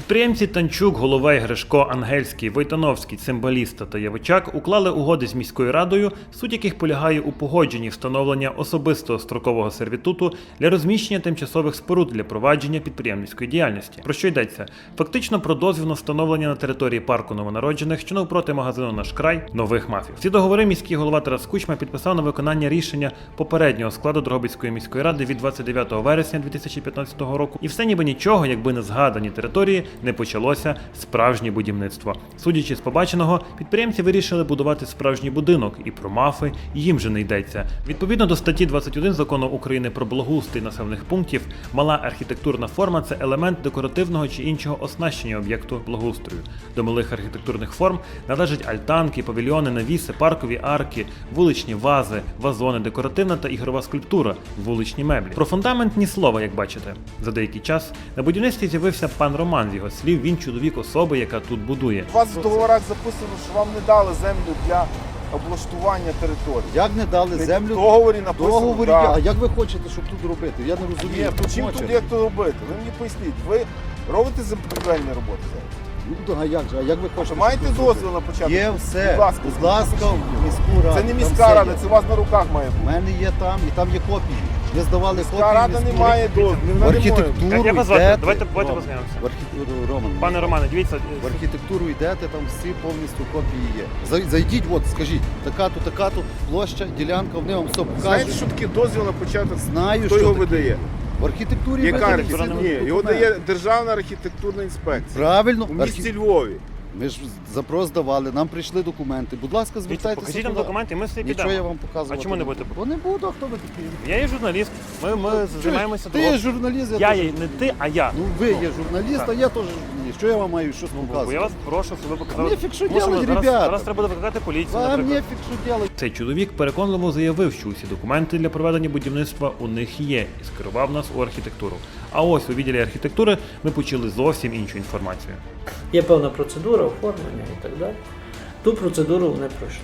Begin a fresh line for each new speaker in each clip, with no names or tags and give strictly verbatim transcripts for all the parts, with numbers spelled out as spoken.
Підприємці Танчук, Головей, Гришко, Ангельський, Войтановський, Цимбаліста та Явичак уклали угоди з міською радою, суть яких полягає у погодженні встановлення особистого строкового сервітуту для розміщення тимчасових споруд для провадження підприємницької діяльності. Про що йдеться? Фактично про дозвіл на встановлення на території парку новонароджених, що навпроти магазину «Наш край», нових мафів. Ці договори міський голова Тарас Кучма підписав на виконання рішення попереднього складу Дрогобицької міської ради від двадцять дев'ятого вересня дві тисячі п'ятнадцятого року. І все ніби нічого, якби не згадані території, не почалося справжнє будівництво. Судячи з побаченого, підприємці вирішили будувати справжній будинок, і про мафи їм же не йдеться. Відповідно до статті двадцять один Закону України про благоустрій населених пунктів, мала архітектурна форма – це елемент декоративного чи іншого оснащення об'єкту благоустрою. До малих архітектурних форм належать альтанки, павільйони, навіси, паркові арки, вуличні вази, вазони, декоративна та ігрова скульптура, вуличні меблі. Про фундамент ні слова, як бачите. За деякий час на будівництві з'явився пан Роман. З його слів, він чоловік особи, яка тут будує.
У вас в договорах записано, що вам не дали землю для облаштування території.
Як не дали
Не
землю?
в договорі написано,
договорі,
да.
а як ви хочете, щоб тут робити? Я не розумію.
Ні, то чим тут як то робити? Ви мені поясніть, ви робите землепорядкувальні роботи зараз?
Ну, а як же? А як ви хочете?
Чи маєте
щоб тут
дозвіл
зробити?
на початок?
Є все.
Будь ласка,
Будь ласка, в міську раду.
Це не
Там
міська
все
рада,
є.
це у вас на руках має
У
бути.
мене є там, і там є копії. Ми здавали
Міська
копії.
рада не
міську
має
раду.
дозволу.
В архітектуру
Як- як вас звати?
йдете.
Давайте- давайте
Роман.
познайомимося.
В архітектуру, Роман.
Пане Романе, дивіться,
В архітектуру йдете, там всі повністю копії є. Зай- Зайдіть, от, скажіть, така-то, така-то площа, ділянка, вони вам все
Знаєте,
покажуть.
що таке дозвіл на початок?
Знаю,
Хто
що
його
таке.
видає?
В архітектурі
Яка
видають
архітектура?
всі
Ні, його
документи.
дає Державна архітектурна інспекція.
Правильно.
У місті
Архі-
Львові.
Ми ж запрос давали, нам прийшли документи. Будь ласка, звертайтеся.
покажіть нам
туди.
документи, ми все
Нічого
підемо.
я вам показувати.
А чому не
не
будете?
буду. Бо не буду, а хто ви такі?
Я є журналіст, ми, ми займаємося
Ти є журналіст, я,
Я
теж.
є, не ти, а я.
Ну ви є журналіст,
так.
а я теж журналіст. Що я вам маю щось
Бо я
показувати?
вас прошу, щоб ви показали.
Нефіг, що
Тому
делать,
зараз,
ребята?
зараз треба буде викликати поліцію,
Вам
наприклад.
нефіг, що делать.
Цей чоловік переконливо заявив, що усі документи для проведення будівництва у них є, і скерував нас у архітектуру. А ось у відділі архітектури ми почули зовсім іншу інформацію.
Є певна процедура, оформлення і так далі. Ту процедуру вони пройшли.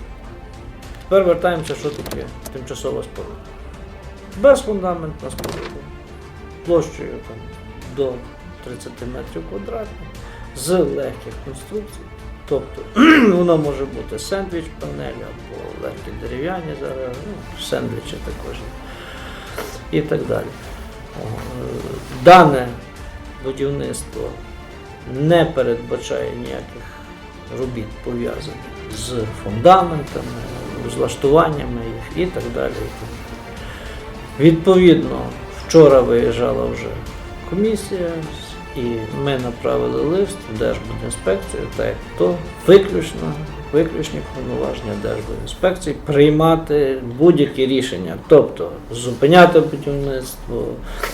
Тепер вертаємося, що таке тимчасова споруда. Безфундаментна споруда, площею там, до тридцять метрів квадратних, з легких конструкцій. Тобто вона може бути сендвіч панелі або легкі дерев'яні зараз, ну, сендвічі також і так далі. О, Дане будівництво не передбачає ніяких робіт пов'язаних з фундаментами, з влаштуваннями їх і так далі. Відповідно, вчора виїжджала вже комісія, і ми направили лист в Держбудінспекцію, так як то виключно, виключні повноваження Держбудінспекції приймати будь-які рішення, тобто зупиняти будівництво,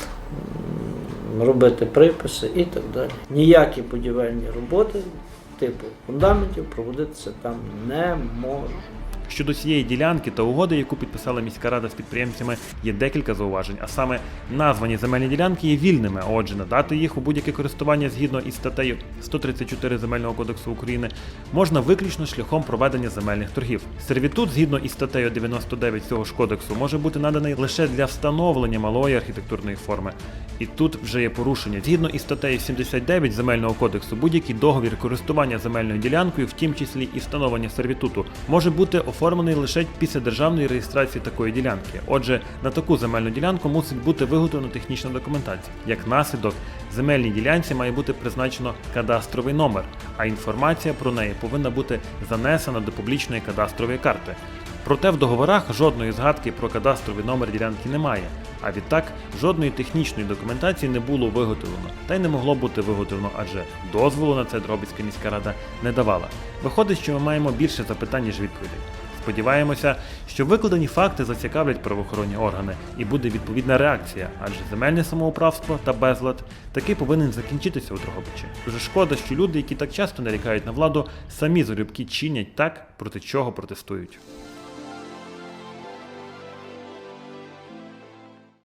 робити приписи і так далі. Ніякі будівельні роботи типу фундаментів проводитися там не можуть.
Щодо цієї ділянки та угоди, яку підписала міська рада з підприємцями, є декілька зауважень, а саме названі земельні ділянки є вільними, а отже, надати їх у будь-яке користування згідно із статтею сто тридцять чотири Земельного кодексу України можна виключно шляхом проведення земельних торгів. Сервітут, згідно із статтею дев'яносто дев'ять цього ж кодексу, може бути наданий лише для встановлення малої архітектурної форми. І тут вже є порушення. Згідно із статтею сімдесят дев'ять Земельного кодексу, будь-який договір користування земельною ділянкою, в тім числі і встановлення сервітуту, може бути оформлений лише після державної реєстрації такої ділянки. Отже, на таку земельну ділянку мусить бути виготовлена технічна документація. Як наслідок, земельній ділянці має бути призначено кадастровий номер, а інформація про неї повинна бути занесена до публічної кадастрової карти. Проте в договорах жодної згадки про кадастровий номер ділянки немає, а відтак жодної технічної документації не було виготовлено, та й не могло бути виготовлено, адже дозволу на це Дрогобицька міська рада не давала. Виходить, що ми маємо більше запитань, ніж відповідей. Сподіваємося, що викладені факти зацікавлять правоохоронні органи і буде відповідна реакція, адже земельне самоуправство та безлад таки повинен закінчитися у Дрогобичі. Дуже шкода, що люди, які так часто нарікають на владу, самі залюбки чинять так, проти чого протестують.